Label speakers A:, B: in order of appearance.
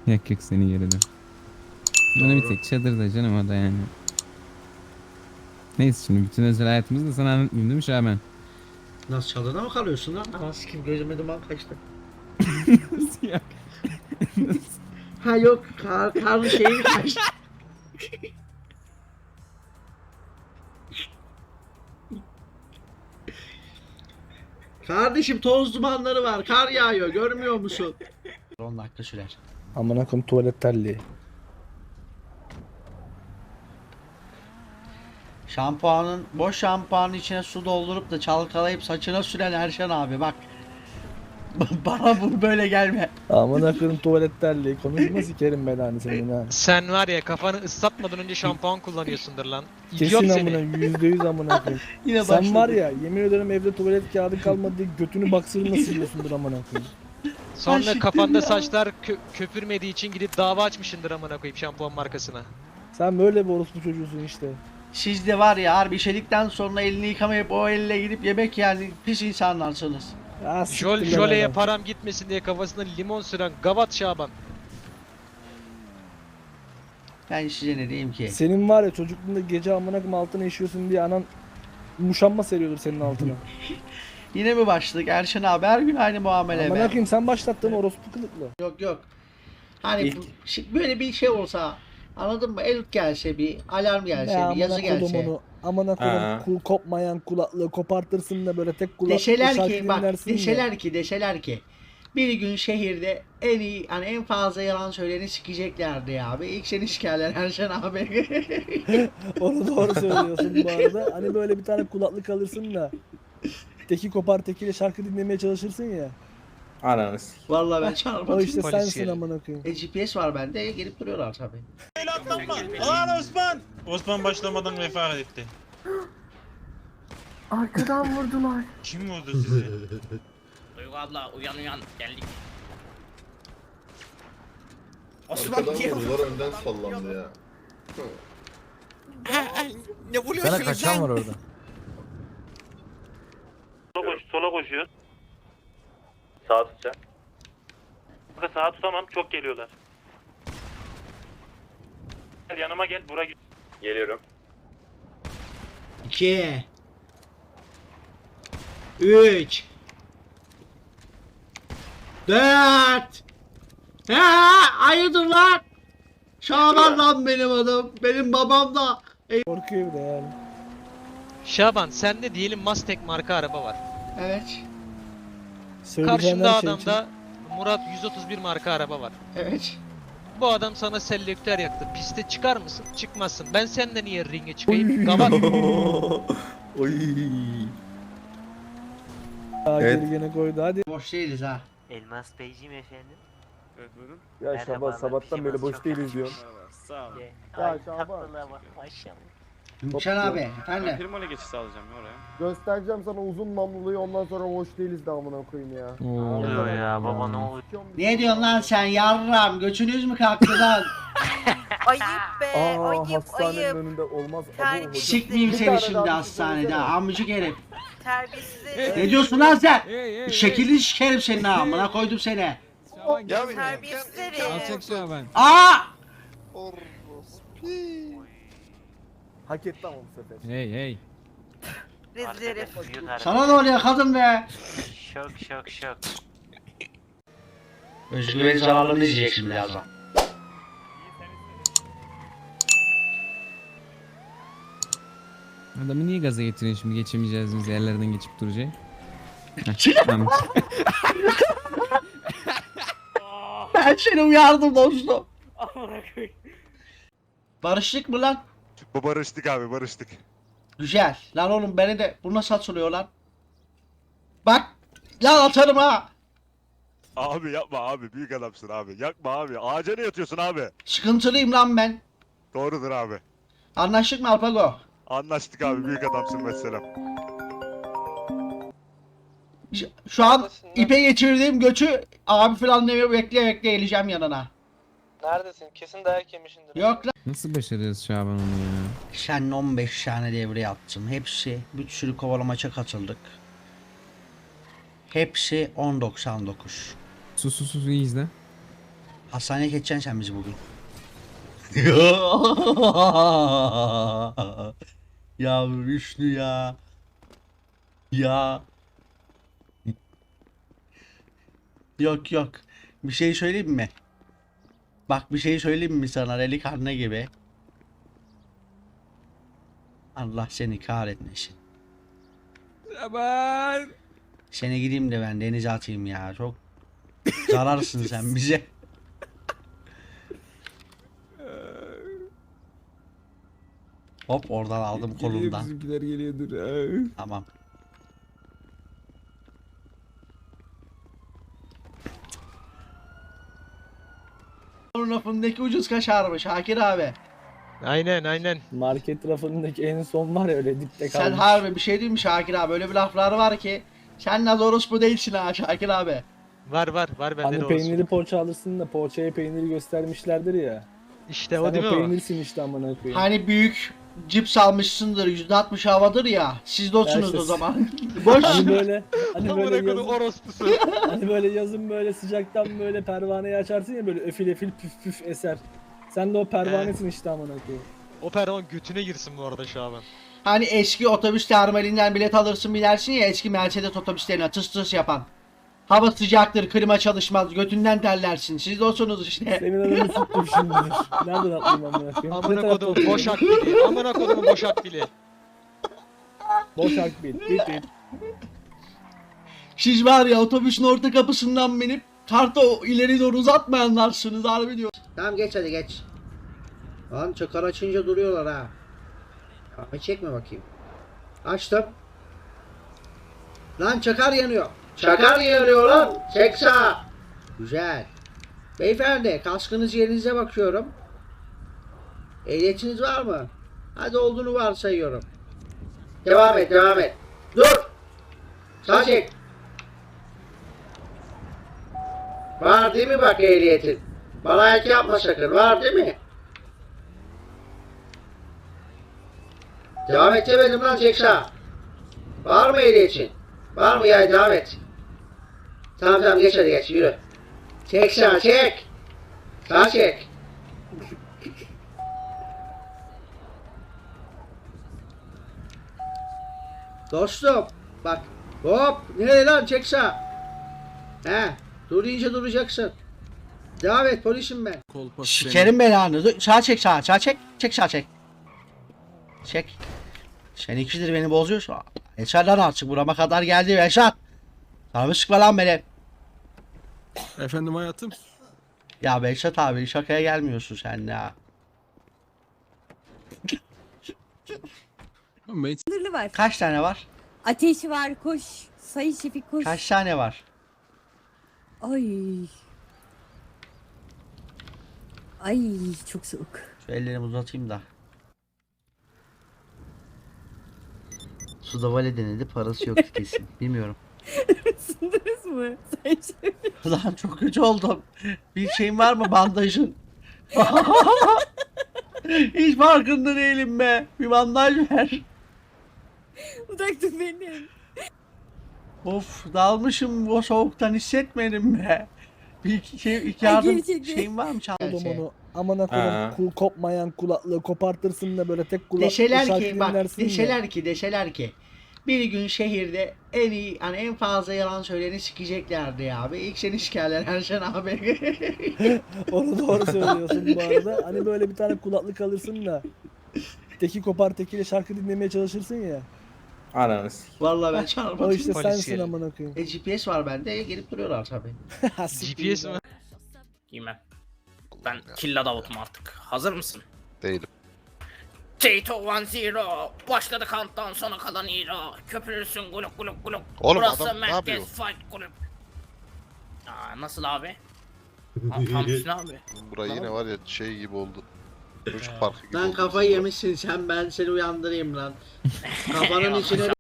A: Yak yak seni geride. Bana bir tek çadırda canım o da yani. Neyse şimdi bütün özel hayatımızı da sana anlatmayayım değil mi Şaban?
B: Nasıl çadırda mı kalıyorsun lan? Nasıl kim gözüme duman kaçtı.
A: Nasıl ya? Nasıl?
B: Ha yok karlı şey mi kaçtı? Kardeşim toz dumanları var. Kar yağıyor. Görmüyor musun? 10 dakika sürer.
C: Amına koyayım tuvalet terliği.
B: Şampuanın boş şampuanın içine su doldurup da çalkalayıp saçına süren Erşen abi bak. Bana bu böyle gelme.
C: Amına koyayım tuvalet terliği. Konuşma sikerim belanı senin ha.
D: Sen var ya kafanı ıslatmadan önce şampuan kullanıyorsundur lan. İdiot
C: Kesin
D: seni.
C: amına %100 amına koyayım.
B: Yine
C: Sen
B: başladı.
C: var ya yemin ederim evde tuvalet kağıdı kalmadı diye götünü baksırına siliyorsundur amına koyayım.
D: Sonra
B: Ay,
D: kafanda
B: şükür ya.
D: saçlar köpürmediği için gidip dava açmışındır amına koyayım şampuan markasına.
C: Sen böyle bir orospu çocuğusun işte.
B: Siz de var ya harbi işedikten sonra elini yıkamayıp o elle gidip yemek yani pis insanlarsınız.
C: Ya siktir lan
D: Joleye
C: adam.
D: param gitmesin diye kafasına limon süren gavat Şaban.
B: Ben size ne diyeyim ki?
C: Senin var ya çocukluğunda gece amına koyayım altına işiyorsun diye anan muşamba seriyordur senin altına.
B: Yine mi başladık Erşen abi her gün aynı muamele
C: Amına
B: be.
C: koyayım sen başlattın orospu kılıklı.
B: Yok yok. Hani böyle bir şey olsa anladın mı? El gelse bir alarm gelse
C: Ya
B: bir yazı
C: amına koydum
B: gelse.
C: onu. Amına koydum kopmayan kulaklığı kopartırsın da böyle tek kulaklı
B: Deseler
C: şarkı
B: ki bak
C: dinlersin ya.
B: deseler ki bir gün şehirde en iyi hani en fazla yalan söyleyeni sikeceklerdi ya abi. İlk seni sikerler Erşen abi.
C: Onu doğru söylüyorsun bu arada. Hani böyle bir tane kulaklık alırsın da teki kopar tekiyle şarkı dinlemeye çalışırsın ya.
E: Ananı s***.
B: Vallahi ben
C: O
B: çarpmadım.
C: işte
D: Polis
C: sensin
D: geldi.
C: amına koyayım.
B: GPS var bende gelip duruyorlar tabii.
F: Lan Osman! Osman başlamadan vefat etti.
G: Arkadan vurdular.
F: Kim vurdu sizi?
H: Duygu abla uyan uyan geldik.
I: Arkadan vurdular önden sallandı ya.
H: Ne vuruyorsun
C: Sana kaçan var orada.
F: Sola koşuyor.
E: Sağ tutacağım.
F: Kanka sağa tutamam çok geliyorlar. Gel yanıma gel bura git.
E: Geliyorum.
B: 2 3 4 hayırdır lan? Şaban lan benim adım. Benim babam da.
C: Korkuyor bir de yani.
D: Şaban sende diyelim Mustang marka araba var.
B: Evet.
C: Söyleyeceğin
D: Karşında
C: her şey için.
D: adamda Murat 131 marka araba var.
B: Evet.
D: Bu adam sana selektör yaktı. Piste çıkar mısın? Çıkmazsın. Ben senden niye ringe çıkayım? Gavat.
E: Oy.
C: Daha
E: Evet.
C: geri gene koydu hadi.
B: Boş değiliz ha.
H: Elmas Beyciğim efendim.
C: Ya
H: Merhabalar,
C: Şaban sabahtan beri boş
H: çok
C: değiliz diyorum.
F: Sağ ol.
C: Ya
H: Ay
C: Şaban.
H: tatlılığa bak maşallah.
B: Gümüşen abi efendim.
F: Firmalı geçiş sağlayacağım ya oraya.
I: Göstereceğim sana uzun namluluyu ondan sonra hoş değiliz de amına koyayım ya.
D: Oo.
H: Ya baba ne oluyor?
B: Ne diyorsun lan sen yarram? Göçünüz mü kalktı lan?
G: Ayıp be,
I: Aa
G: ayıp,
I: hastanenin
G: ayıp.
I: önünde olmaz.
G: Terbiye-
I: Abo hocam.
B: Sikmeyeyim
I: Bir
B: seni
I: tane
B: şimdi
I: daha
B: hastanede
I: söylesene.
B: amcık herif.
G: Terbiyesiz herif.
B: Ne diyorsun lan sen?
A: Hey.
B: Şekilli sikerim senin ha. Amına koydum seni.
A: Şaban gel.
G: Terbiyesiz herif.
A: Alçak Şaban.
B: Aa!
I: Hak etti ama bu sefer.
A: Hey.
G: Rezil herif.
B: Sana ne oluyor kadın be?
H: Şok.
B: Özgür'ün zararlarını izleyeceksin birazdan.
A: Adamı niye gaza getiriyorsun şimdi geçemeyeceğimiz yerlerden geçip duracak? Tamam.
B: Ben seni uyardım dostum. Barıştık mı lan?
E: Barıştık abi barıştık.
B: Güzel. Lan oğlum beni de bu nasıl atılıyor lan? Bak. Lan atarım ha.
E: Abi yapma abi büyük adamsın abi. Yakma abi. Ağaca ne yatıyorsun abi?
B: Sıkıntılıyım lan ben.
E: Doğrudur abi.
B: Anlaştık mı Alpago?
E: Anlaştık abi büyük adamsın mesela.
B: Şu an ipe geçirdiğim göçü abi falan demiyor bekle geleceğim yanına.
J: Neredesin? Kesin dayak yemişindir.
B: Yok lan.
A: Nasıl başarıyoruz Şaban onu ya?
B: Sen 15 tane devre yaptım. Hepsi bir sürü kovalamaça katıldık. Hepsi 10.99.
A: Sus iyi izle.
B: Hastaneye geçeceksin sen bizi bugün. Ya Hüsnü ya. Ya. Yok yok. Bir şey söyleyeyim mi? Bak bir şey söyleyeyim mi sana delikanlı gibi? Allah seni kahretmesin.
A: Aman.
B: Seni gideyim de ben denize atayım ya. Çok zararsın sen bize. Hop oradan aldım
A: Geliyor
B: kolundan.
A: bizimkiler geliyordur.
B: Tamam. Onun lafındaki ucuz kaşarmış Şakir abi.
D: Aynen.
C: Market rafındaki en son var ya öyle dipte kalmış.
B: Sen harbi bir şey diyeyim mi Şakir abi? Öyle bir laflar var ki. Sen Naz orospu değilsin ha Şakir abi.
D: Var bende
C: Hani
D: de olsun.
C: peynirli poğaça alırsın da poğaçaya peyniri göstermişlerdir ya.
D: İşte
C: Sen
D: o değil mi o?
C: peynirsin işte amına koyayım.
B: Hani büyük cips almışsındır %60 havadır ya. Siz de olsunuz
C: işte-
B: o zaman. Boş.
C: Hani böyle hani
D: Amına
C: böyle
D: kodum
C: yazın,
D: orospusu.
C: hani böyle yazın böyle sıcaktan böyle pervaneyi açarsın ya böyle efil püf püf eser. Sen de o pervanesin işte amına koyayım.
D: O pervan götüne girsin bu arada şu an.
B: Hani eski otobüs terminalinden bilet alırsın bilersin ya eski Mercedes otobüslerine tıs tıs yapan. Hava sıcaktır, klima çalışmaz, götünden terlersin. Siz de olsunuz işte.
C: Senin adını tuttum şimdi. Nereden atlayayım amına koyayım?
D: Amına
C: Ne tarafta
D: kodum
C: oturuyorsun?
D: boş akbili. Amına kodumun boş akbili.
C: Boş akbil. Bit bit.
B: Siz var ya otobüsün orta kapısından binip kartı ileri doğru uzatmayanlarsınız harbi diyor. Tamam geç hadi geç. Lan çakar açınca duruyorlar ha. Abi çekme bakayım. Açtım. Lan çakar yanıyor. Çakar yanıyor lan. Çek sağa. Güzel. Beyefendi kaskınız yerinize bakıyorum. Ehliyetiniz var mı? Hadi olduğunu varsayıyorum. Devam et devam et. Dur. Sağ çek. Var değil mi bak ehliyetin? Bana ayak yapma sakın. Var değil mi? Devam et demedim lan çek sağa. Var mı ehliyetin? Var mı ya devam et. Tamam geç hadi geç yürü. Çek sağa çek. Sağ çek. Dostum bak hop nereye lan çek sağa. He dur deyince duracaksın. Devam et polisim ben. Sikerim belanı. Dur, sağa çek sağa çek. Çek sağa çek. Çek. Sen ikidir beni bozuyorsun. Eşat lan artık burama kadar geldi Eşat. Sana sıkma lan beni.
A: Efendim hayatım.
B: Ya Behzat abi şakaya gelmiyorsun sen ya.
K: Sınırlı var.
B: Kaç tane var?
K: Ateşi var koş. Sayın Şefik koş.
B: Kaç tane var?
K: Ay. Ay çok soğuk.
B: Şu ellerimi uzatayım da. Suda vale denedi parası yok kesin. Bilmiyorum.
K: Isındınız mı? Sayın Şefik.
B: Lan çok kötü oldum. Bir şeyin var mı bandajın? Hiç farkında değilim be. Bir bandaj ver.
K: Uzak dur benim.
B: Of dalmışım o soğuktan hissetmedim be. Bir iki
K: Ay,
B: yardım
K: gerçekten.
B: şeyin var mı
C: Oğlum
B: şey?
C: onu amına koyayım kopmayan kulaklığı kopartırsın da böyle tek kulaklığı
B: Deseler
C: şarkı
B: ki bak
C: dinlersin ya.
B: deseler ki bir gün şehirde en iyi hani en fazla yalan söyleyeni sikeceklerdi ya abi. İlk seni sikerler Erşen abi.
C: Onu doğru söylüyorsun bu arada. Hani böyle bir tane kulaklık alırsın da teki kopar tekiyle şarkı dinlemeye çalışırsın ya.
F: Ananı
B: Vallahi ben
C: O
B: çarpmadım.
C: işte
D: Polis
C: sensin
D: geliyor.
C: amına koyayım.
B: GPS var bende gelip duruyorlar tabii.
D: GPS mi?
F: Giymem. Ben Killa Davut'um artık. Hazır mısın?
E: Değilim.
F: T2 1-0. Başladı countdown sona kalan hero. Köpürürsün guluk guluk guluk.
E: Oğlum
F: Burası
E: adam ne
F: merkez
E: yapıyor?
F: fight kulüp. Nasıl abi? Tam üstüne abi.
E: Bura yine var ya şey gibi oldu. Çocuk parkı gibi
B: Lan
E: oldu.
B: kafayı yemişsin sen ben seni uyandırayım lan. Kafanın içine